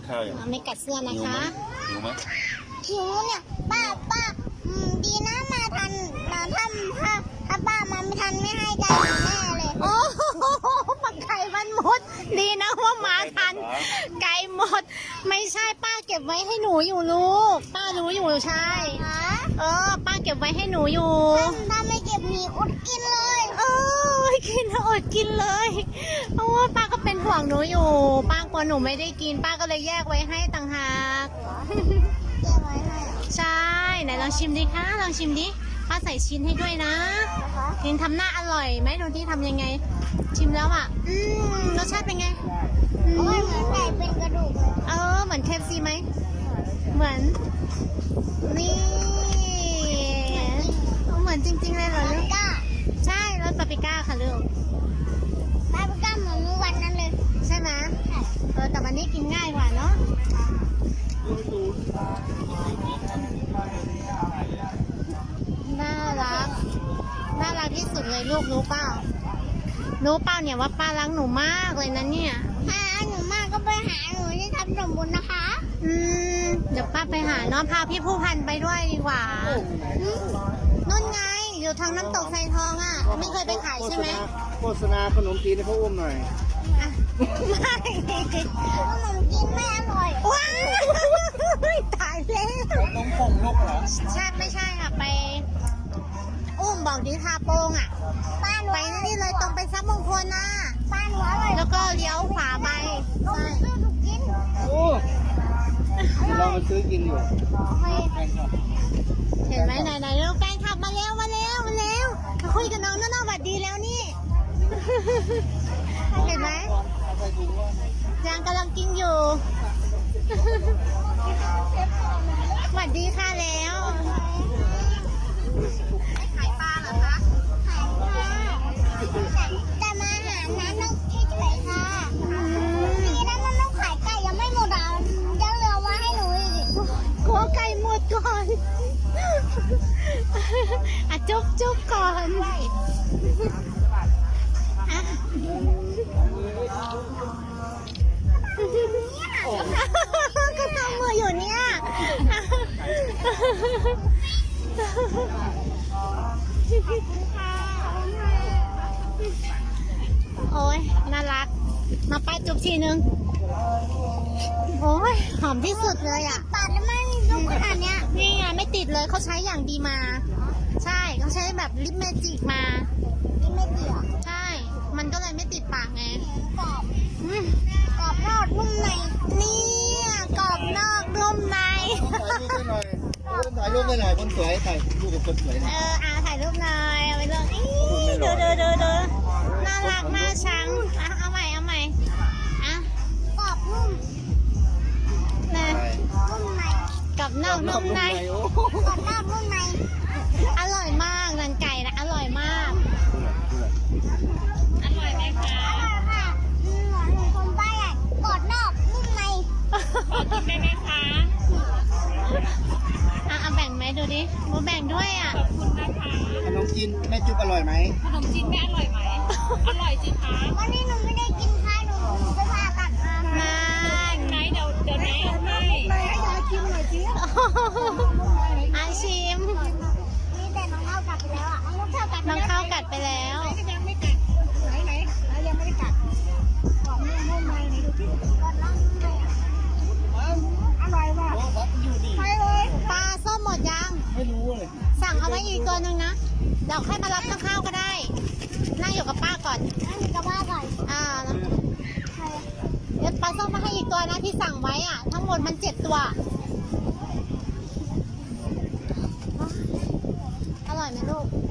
ข้าวอย่างไม่กัดเสื้อนะคะหิวไหมหิวเนี่ยป้าดีนะมาทันมาถ้าป้ามาไม่ทันไม่ให้ใจแน่เลยโอ้โหปักไก่มันหมด ดีนะว่ามาทัน ไก่หมด ไม่ใช่ป้าเก็บไว้ให้หนูอยู่ลูก ป้ารู้อยู่ใช่ฮะป้าเก็บไว้ให้หนูอยู่ถ้าไม่เก็บหนีอดกินเลยกินอดกินเลย เพราะว่าป้าก็เป็นห่วงหนูอยู่ ป้ากลัวหนูไม่ได้กิน ป้าก็เลยแยกไว้ให้ต่างหากเก็บไว้ให้เหรอใช่ ไหนลองชิมดิคะ ลองชิมดิ ป้าใส่ชิ้นให้ด้วยนะคะลินทำหน้าอร่อยไหมดูที่ทำยังไง ชิมแล้วอ่ะ รสชาติเป็นไงโอ้ยเหมือนไก่เป็นกระดูกเลยเหมือนเคฟซีไหม เหมือน นี่ เหมือนจริงๆเลยเหรอปาลูปริกก้าใช่รสปาปริก้าค่ะลูกปาปริก้าเหมือนเมื่อวันนั้นเลยใช่ไหมแต่วันนี้กินง่ายกว่าเนาะ น่ารัก น่ารักที่สุดเลยลูกรู้เปล่า รู้เปล่าเนี่ยว่าป้ารักหนูมากเลยนะเนี่ยถ้าหนูมากก็ไปหาหนูที่ทำสมบูรณ์นะคะเดี๋ยวป้าไปหาน้องพาพี่ผู้พันไปด้วยดีกว่านู่นไงอยู่ทางน้ำตกไซทองอ่ะ ไม่เคยไปขายใช่ไหมโฆษณาขนมจีนให้พ่ออุ้มหน่อยอ่ะไม่ขนมจีนไม่อร่อยว้ายตายแล้วน้องผงนกเหรอใช่ไม่ใช่ค่ะไป อุ้มบอกดิทาโป้งอ่ะป้าหนูไปนี่เลยตรงไปซับมงคลน่ะป้าหนูอร่อยแล้วก็เลี้ยวขวาไปก็ใช่ซื้อถูกกินโอ้ลองมาซื้อกินอยู่โอเคแพงครับเห็นไหมไหนๆเร็วแฟนขับมาแล้วมาคุยกับน้องน่าหวัดดีแล้วนี่ เห็นไหมยังกำลังกินอยู่ หวัดดีค่ะแล้วไม่ขายปลาเหรอคะขายค่ะแต่มาหาน้ำนกเฉยๆค่ะดีนะมันต้องขายไก่ยังไม่หมดอ่ะยังเหลือไว้ให้หนูอีกกลัวไก่หมดก่อนอ่ะจุ๊บก่อนอ่ะก็ทำมืออยู่เนี่ยโอ้ยน่ารัก มาป้าจุ๊บทีนึง โอ้ยหอมที่สุดเลยอ่ะปาดแล้วมันยุบขนาดเนี้ยนี่ไงไม่ติดเลยเขาใช้อย่างดีมา ใช่เขาใช้แบบลิปเมจิกมานี่ไม่เกี่ยวใช่ มันก็เลยไม่ติดปากไงกรอบอืมกรอบนอกนุ่มในเนี่ยกรอบนอกนุ่มในถ่ายรูปได้หน่อยคนสวยถ่ายรูปกับคนสวยหน่อยถ่ายรูปหน่อยเอาไปลงอีดูน่ารักน่าชังเอาใหม่อ่ะกรอบนุ่มนะนุ่มในกรอบนอกนุ่มในโอ้กรอบนอกนุ่มในอร่อยมากนันไก่นะอร่อยมาก อร่อยไหมคะอร่อยค่ะหนูคนป้าใหญ่กรอบนอกนุ่มในขอกินได้ไหมคะเอาแบ่งไหมดูดิมูแบ่งด้วยอ่ะ ขอบคุณนะคะขนมจีนแม่จุ๊บอร่อยไหมขนมจีนไม่อร่อยไหม อร่อยสิคะวันนี้หนูไม่ได้กินข้าวหนูไปผ่าตัดมามาไหนเดี๋ยวแม่ให้ยายกินหน่อยสิอาชิมนี่แต่น้องเข้ากัดไปแล้วอ่ะน้องเข้ากัดน้องข้าวกัดไปแล้วยังไม่กัดไหนยังไม่ได้กัดกรอบนุ่มในไหนดูที่กรอบนอกนุ่มในอร่อยว่ะใช่เลยปลาส้มหมดยังไม่รู้เลยสั่งเอาไว้อีกตัวหนึ่งนะ เดี๋ยวค่อยมารับข้าวก็ได้ นั่งอยู่กับป้าก่อนนั่นกระบ้าก่อนเดี๋ยวปลาส้มมาให้อีกตัวนะที่สั่งไว้อ่ะ ทั้งหมดมัน7 ตัว อร่อยไหมลูก